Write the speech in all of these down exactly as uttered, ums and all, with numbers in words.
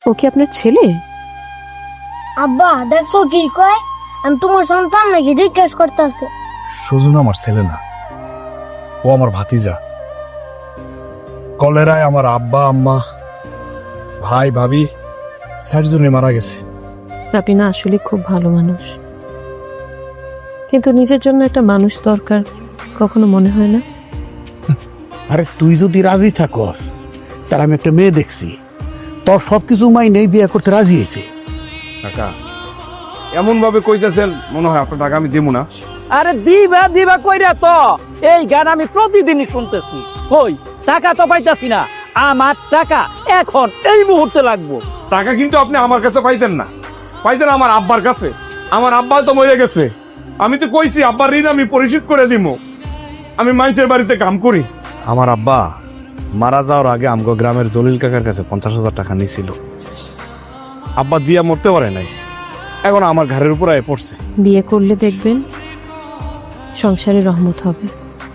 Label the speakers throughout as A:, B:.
A: ও কি আপনার ছেলে?
B: আব্বা দেখছো কি কয়, আমি তোমার সন্তান নাকি জিজ্ঞেস করতেছে।
C: সুজন আমার ছেলে না, ও আমার ভাতিজা। কলেরায় আমার আব্বা আম্মা ভাই ভাবি চারজনে মারা গেছে।
A: আপনি না আসলে খুব ভালো মানুষ, কিন্তু নিজের জন্য একটা মানুষ দরকার কখনো মনে হয় না?
D: আরে তুই যদি রাজি থাকস, তার আমি একটা মেয়ে দেখছি, তোর সবকিছু মাইনে বিয়ে করতে রাজি হয়েছে।
C: কাকা এমন ভাবে কইতেছেন মনে হয় আপনার টাকা আমি দেবো না।
E: আরে দিবা দিবা কইরা তো এই গান আমি প্রতিদিনই শুনতেছি। কই টাকা তো পাইতাছি না, আমার টাকা এখন এই মুহূর্তে লাগবো।
C: টাকা কিন্তু আপনি আমার কাছে পাইতেন না, পাইতেন আমার আব্বার কাছে। আমার আব্বা তো মরে গেছে, আমি তো কইছি আব্বার ঋণ আমি পরিশোধ করে দিব। আমি মানুষের বাড়িতে কাম করি। আমার আব্বা মারা যাওয়ার আগে আমগো গ্রামের জলিল কাকার কাছে পঞ্চাশ হাজার টাকা নিছিল। আব্বা দিয়া মরতে পারে নাই, এখন আমার ঘরের উপর আয় পড়ছে।
A: বিয়ে করলে দেখবেন সংসারে রহমত হবে।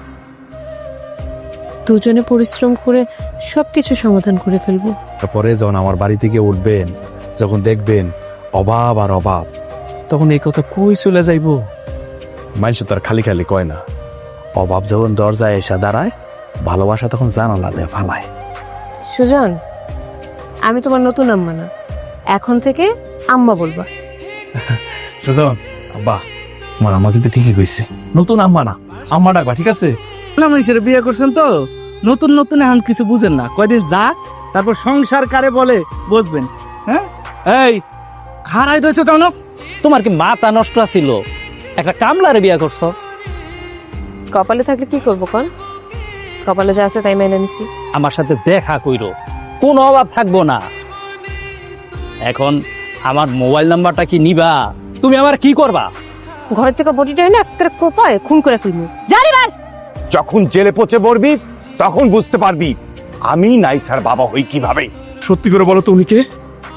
A: দুজনে পরিশ্রম করে সবকিছু সমাধান করে ফেলবো।
C: তারপরে যখন আমার বাড়ি থেকে উঠবেন, যখন দেখবেন অভাব আর অভাব, তখন এই কথা কই চলে যাইব? মানুষ তো আর খালি খালি কয় না, অভাব যখন দরজায় এসে দাঁড়ায়, ভালোবাসা তখন জানালা দেয় ফালায়।
A: সুজন, আমি তোমার নতুন আম্মা না, এখন থেকে আম্মা বলবা।
C: সুজন, আব্বা আমার আম্মা কিন্তু ঠিকই কইছে, নতুন আম্মা না আম্মা ডাকবা, ঠিক আছে?
E: মানুষের বিয়ে করছেন তো, নতুন নতুন এখন কিছু বুঝেন না, কয়দিন যাক তারপর সংসার কারে বলে বুঝবেন। হ্যাঁ এই খারাই রয়েছে জানো, তোমার কি মাথা নষ্ট ছিল? একটা কামলারে বিয়ে করছো।
A: কপালে থাকলে কি করবো কন? কপালে যা আছে তাই মেনে নিছি।
E: আমার সাথে দেখা কইরো, কোনো অভাব থাকবো না। এখন আমার মোবাইল নাম্বারটা কি নিবা? তুমি আমার কি করবা?
A: ঘর থেকে বটিটা না একটা কোপায় খুন করে ফেলবো। জানি বার
F: যখন জেলে পচে মরবি তখন বুঝতে পারবি আমি নাইসার বাবা হই কিভাবে।
C: সত্যি করে বলো তো উনি কে?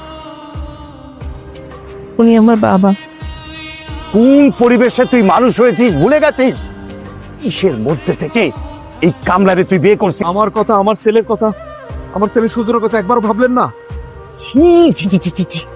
A: উনি আমার বাবা।
F: কোন পরিবেশে তুই মানুষ হয়েছিস ভুলে গেছিস? কিসের মধ্যে থেকে এই কামলারে তুই বিয়ে করছিস?
C: আমার কথা, আমার ছেলের কথা, আমার ছেলে সুজনের কথা একবার ভাবলেন না?
F: ছি ছি ছি ছি ছি